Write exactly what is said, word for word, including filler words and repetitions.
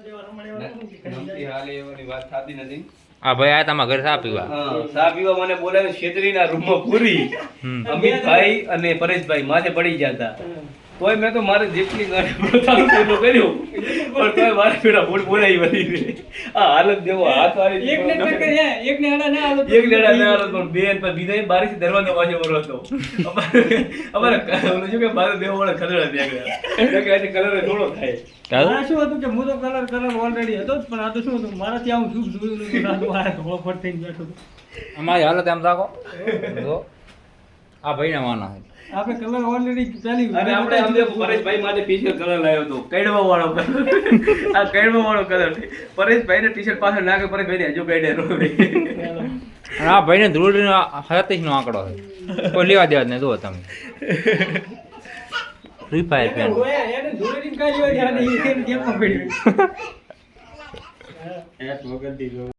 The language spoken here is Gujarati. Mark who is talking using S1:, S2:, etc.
S1: નમતી હાલે એવાની વાત થતી નથી.
S2: આ ભાઈ આ તમારા ઘરે ચા પીવા
S1: હા, ચા પીવા મને બોલાવે છેતરીના રૂમમાં પૂરી. અમિતભાઈ અને પરેશભાઈ માથે પડી ગયા હતા. તોય મેં તો મારે જેટલી ગાડી કર્યું પણ તોય મારે પેલા બોલ બોલાવી વળી. આ હાલત જેવો હાથ વાળી
S3: એક ને ટક્કર હે એક ને આડા ના હાલત
S1: એક લેડા ના હાલત પણ બેન પર બીજા બારી થી દરવાજો વાજે વરો હતો. અમારે ઓલું શું કે મારે દેવો વાળા ખદડા ત્યાં ગયા કે આજે કલર થોડો થાય.
S3: આ શું હતું કે હું તો કલર કલર ઓલરેડી હતો જ, પણ આ તો શું હતું મારાથી આવું સુખ જોયું નતું. આ તો આ ધોળો ફટ થઈને બેઠો હતો.
S2: અમારી હાલત એમ રાખો જો આ ભાઈને વાના છે.
S3: આપણે કલર ઓલરેડી ચાલી
S1: અને આપણે આમ દેખો પરેશભાઈ માટે સ્પેશિયલ કલર લાવ્યો હતો કૈડવા વાળો કલર. આ કૈડવા વાળો કલર પરેશભાઈ ને ટી-શર્ટ પાછળ નાખે પરેશભાઈ ને હજુ કૈડે રો.
S2: અને આ ભાઈને ધ્રુવનો સતીશ નો આંકડો છે. કોઈ લેવા દેવા જ નહીં. જુઓ તમે ફ્રી ફાયર ફેન
S3: એને ધોળેથી કાઢી હોય ત્યારે એ કેમ કેમ પડ્યું.